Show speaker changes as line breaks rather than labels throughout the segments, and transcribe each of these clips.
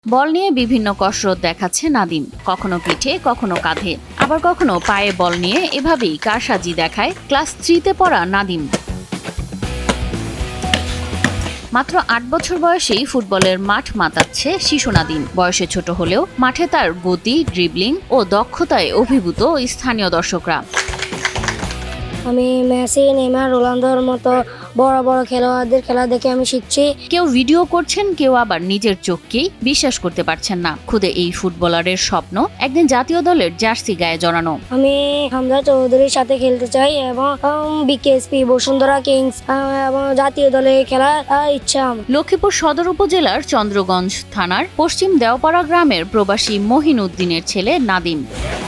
বল নিয়ে বিভিন্ন কসরত দেখাচ্ছে নাদিম, কখনো পিঠে কখনো কাঁধে, আবার কখনো পায়ে বল নিয়ে এভাবেই কারসাজি দেখায় ক্লাস 3-তে পড়া নাদিম। মাত্র ৮ বছর বয়সেই ফুটবলের মাঠ মাতাচ্ছে শিশু নাদিম। বয়সে ছোট হলেও মাঠে তার গতি, ড্রিবলিং ও দক্ষতায় অভিভূত স্থানীয় দর্শকরা।
আমি মেসি, নেইমার, রোনালদোর মতো বড় বড় খেলোয়াড়দের খেলা দেখে আমি শিখছি।
কেউ ভিডিও করছেন, কেউ আবার নিজের চোখকেই বিশ্বাস করতে পারছেন না। খুদে এই ফুটবলারের স্বপ্ন একদিন জাতীয় দলের জার্সি গায়ে জড়ানো।
আমি হামজা চৌধুরীর সাথে খেলতে চাই এবং বিকেএসপি, বসুন্ধরা কিংস এবং জাতীয় দলে খেলার ইচ্ছা।
লক্ষ্মীপুর সদর উপজেলার চন্দ্রগঞ্জ থানার পশ্চিম দেওপাড়া গ্রামের প্রবাসী মহিন উদ্দিনের ছেলে নাদিম।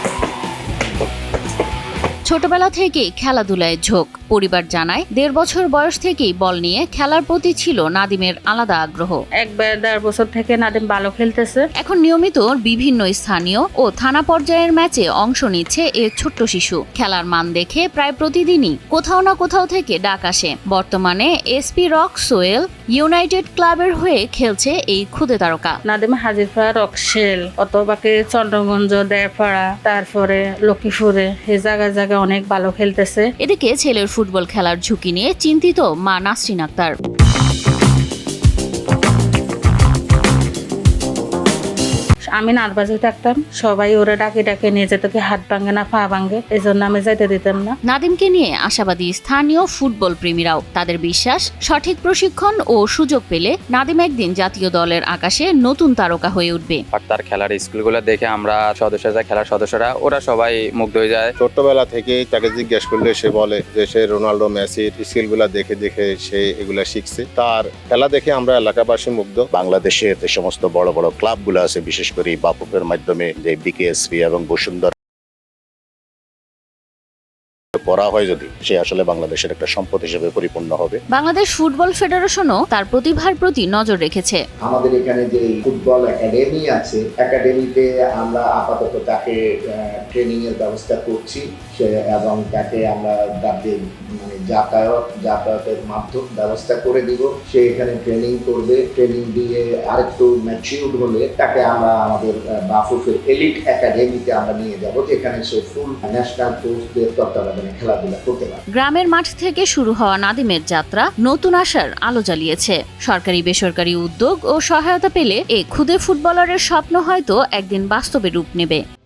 ছোটবেলা থেকেই খেলাধুলায় ঝোঁক। পরিবার জানায় ১.৫ বছর বয়স থেকেই বল নিয়ে খেলার প্রতি ছিল নাদিমের আলাদা আগ্রহ।
১.৫ বছর থেকে নাদিম ভালো খেলতেছে।
এখন নিয়মিত বিভিন্ন স্থানীয় ও থানা পর্যায়ের ম্যাচে অংশ নিচ্ছে এ ছোট্ট শিশু। খেলার মান দেখে প্রায় প্রতিদিনই কোথাও না কোথাও থেকে ডাক আসে। বর্তমানে এসপি রক সোয়েল ইউনাইটেড ক্লাবের হয়ে খেলছে এই ক্ষুদে তারকা।
নাদিম হাজিরপাড়া, রকশেল, অতবাকে চন্দ্রগঞ্জ, দেড়পাড়া, তারপরে লক্ষ্মীপুরে এই জায়গায় অনেক ভালো খেলতেছে।
এদিকে ছেলের ফুটবল খেলার ঝুঁকি নিয়ে চিন্তিত মা নাসরিন আক্তার।
আমি নার্ভাসে থাকতাম, সবাই ওরা ডাকে ডাকে নিয়ে যেত, কি হাত ভাঙে না পা ভাঙে, এই জন্য আমি যাইতে দিতাম না।
নাদিমকে নিয়ে আশাবাদী স্থানীয় ফুটবল প্রেমীরাও। তাদের বিশ্বাস, সঠিক প্রশিক্ষণ ও সুযোগ পেলে নাদিম একদিন জাতীয় দলের আকাশে নতুন তারকা হয়ে উঠবে।
তার খেলার স্কিলগুলো দেখে আমরা খেলার সদস্যরা ওরা সবাই মুগ্ধ হয়ে যায়।
ছোট্টবেলা থেকেই তাকে জিজ্ঞেস করলে সে বলে যে সে রোনাল্ডো, মেসির স্কিলগুলা দেখে দেখে সে এগুলা শিখছে। তার খেলা দেখে আমরা এলাকাবাসী মুগ্ধ।
বাংলাদেশের যে সমস্ত বড় বড় ক্লাবগুলো আছে, বিশেষ করে বাফুফের মাধ্যমে যে বিকেএসপি এবং বসুন্ধরা করা হয়, যদি সে আসলে বাংলাদেশের একটা সম্পদ হিসেবে পরিপূর্ণ হবে।
বাংলাদেশ ফুটবল ফেডারেশনও তার প্রতিভার প্রতি নজর রেখেছে।
আমাদের এখানে যে ফুটবল একাডেমি আছে, একাডেমিতে আমরা আপাতত তাকে ট্রেনিং এর ব্যবস্থা করছি এবং তাকে আমরা মানে যাতায়াতের মাধ্যম ব্যবস্থা করে দিব। সে এখানে ট্রেনিং করবে। ট্রেনিং দিয়ে আরেকটু ম্যাচিউরড হলে তাকে আমরা আমাদের বাফুফের এলিট একাডেমিতে আমরা নিয়ে যাব, যেখানে সে ফুল ন্যাশনাল কোচদের তত্ত্বাবধানে খেলাধুলা করতে পারে।
গ্রামের মাঠ থেকে শুরু হওয়া নাদিমের যাত্রা নতুন আশার আলো জ্বালিয়েছে। সরকারি বেসরকারি উদ্যোগ ও সহায়তা পেলে এই ক্ষুদে ফুটবলারের স্বপ্ন হয়তো একদিন বাস্তবে রূপ নেবে।